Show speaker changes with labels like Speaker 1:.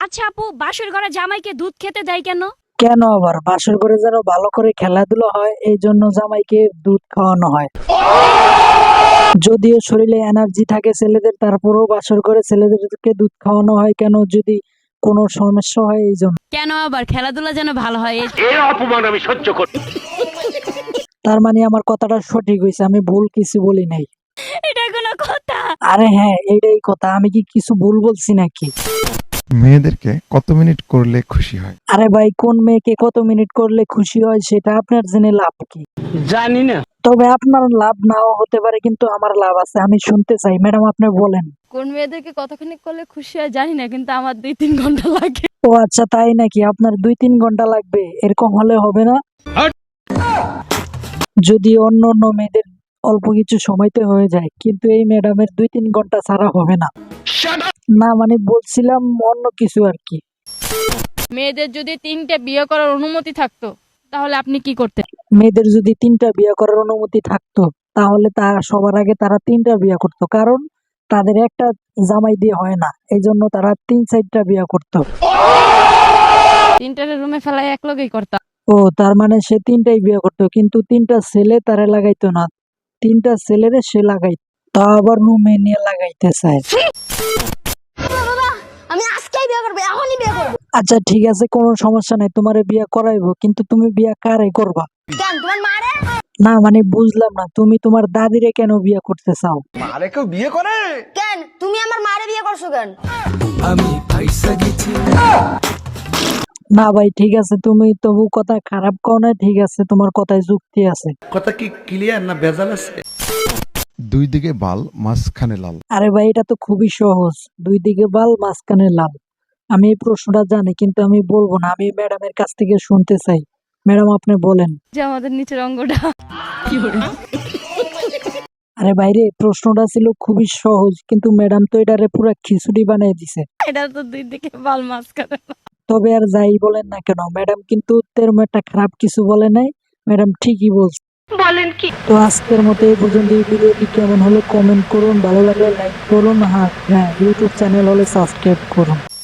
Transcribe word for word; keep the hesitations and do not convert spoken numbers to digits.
Speaker 1: আচ্ছা আপু, বাসর ঘরে জামাইকে দুধ খেতে দেয় কেন?
Speaker 2: কেন আবার বাসর ঘরে যেন ভালো করে খেলাধুলা হয় এই জন্য জামাইকে দুধ খাওয়ানো হয়। যদিও শরীরে এনার্জি থাকে ছেলেদের, তারপরেও বাসর ঘরে ছেলেদেরকে দুধ খাওয়ানো হয় কেন? যদি কোনো সমস্যা হয় এই জন্য।
Speaker 1: কেন আবার খেলাধুলা যেন ভালো হয়।
Speaker 3: এই অপমান আমি সহ্য করি।
Speaker 2: তার মানে আমার কথাটা সঠিক হয়েছে, আমি ভুল কিছু বলি নাই।
Speaker 1: এটা কোনো কথা?
Speaker 2: আরে হ্যাঁ, এইটাই কথা। আমি কি কিছু ভুল বলছি নাকি?
Speaker 4: মেয়েদেরকে কত মিনিট করলে খুশি হয়?
Speaker 2: আরে ভাই, কোন মেয়েকে কত মিনিট করলে খুশি হয় সেটা আপনার জেনে লাভ কি?
Speaker 3: জানি না।
Speaker 2: তবে আপনার লাভ নাও হতে পারে, কিন্তু আমার লাভ আছে, আমি শুনতে চাই। ম্যাডাম আপনি বলেন।
Speaker 1: কোন মেয়েদেরকে কতক্ষণ করলে খুশি হয় জানি না, কিন্তু আমার দুই তিন ঘন্টা লাগে।
Speaker 2: ও আচ্ছা, তাই নাকি? আপনার দুই তিন ঘন্টা লাগবে? এরকম হলে হবে না। যদি অন্য অন্য মেয়েদের অল্প কিছু সময়তে হয়ে যায়, কিন্তু এই ম্যাডামের দুই তিন ঘন্টা ছাড়া হবে না। না মানে বলছিলাম অন্য কিছু আর কি।
Speaker 1: মেয়েদের যদি তিনটে বিয়ে করার অনুমতি থাকতো তাহলে আপনি কি করতেন?
Speaker 2: মেয়েদের যদি তিনটা বিয়ে করার অনুমতি থাকতো তাহলে তা সবার আগে তারা তিনটা বিয়ে করতো, কারণ তাদের একটা জামাই দিয়ে হয় না, এই জন্য তারা তিন চারটা বিয়ে করতো।
Speaker 1: তিনটারে রুমে ফেলাই এক লগেই করতাম।
Speaker 2: ও তার মানে সে তিনটাই বিয়ে করতো, কিন্তু তিনটা ছেলে তারা লাগাইতো না, তিনটা ছেলেরে সে লাগাইতো, তা আবার রুমে নিয়ে লাগাইতে চায়।
Speaker 5: আমি আজকেই বিয়ে করব, এখনই বিয়ে করব।
Speaker 2: আচ্ছা ঠিক আছে, কোনো সমস্যা নাই, তোমারে বিয়ে করাইবো, কিন্তু তুমি বিয়ে কারে করবা?
Speaker 5: কেন তোমার মারে?
Speaker 2: না মানে বুঝলাম না, তুমি তোমার দাদিরে কেন বিয়ে করতে চাও?
Speaker 6: মারে কেউ বিয়ে করে?
Speaker 5: কেন তুমি আমার মারে বিয়ে করছো কেন?
Speaker 2: না ভাই ঠিক আছে, তুমি তবু কথা খারাপ কও না, ঠিক আছে, তোমার কথায় যুক্তি আছে।
Speaker 6: কথা কি ক্লিয়ার না ভেজাল আছে?
Speaker 4: দুই দিকে বাল মাঝখানে লাল।
Speaker 2: আরে ভাই, এটা তো খুবই সহজ, দুই দিকে বাল মাঝখানে লাল। আমি এই প্রশ্নটা জানি, কিন্তু আমি বলবো না, আমি ম্যাডামের কাছ থেকে শুনতে চাই। ম্যাডাম আপনি বলেন।
Speaker 1: যে আমাদের নিচের অঙ্গটা কি করে?
Speaker 2: আরে বাইরে, প্রশ্নটা ছিল খুবই সহজ, কিন্তু ম্যাডাম তো এটারে পুরো খিচুড়ি বানিয়ে দিছে।
Speaker 1: এটা তো দুই দিকে বাল মাঝখানে।
Speaker 2: তবে আর যাই বলেন না কেন, ম্যাডাম কিন্তু তেরম একটা খারাপ কিছু বলে নাই, ম্যাডাম ঠিকই বলছে।
Speaker 1: বলেন কি?
Speaker 2: তো আজকের মতো এই পর্যন্ত। এই ভিডিওটি কেমন হলো কমেন্ট করুন, ভালো লাগলে লাইক করুন, হ্যাঁ হ্যাঁ ইউটিউব চ্যানেল হলে সাবস্ক্রাইব করুন।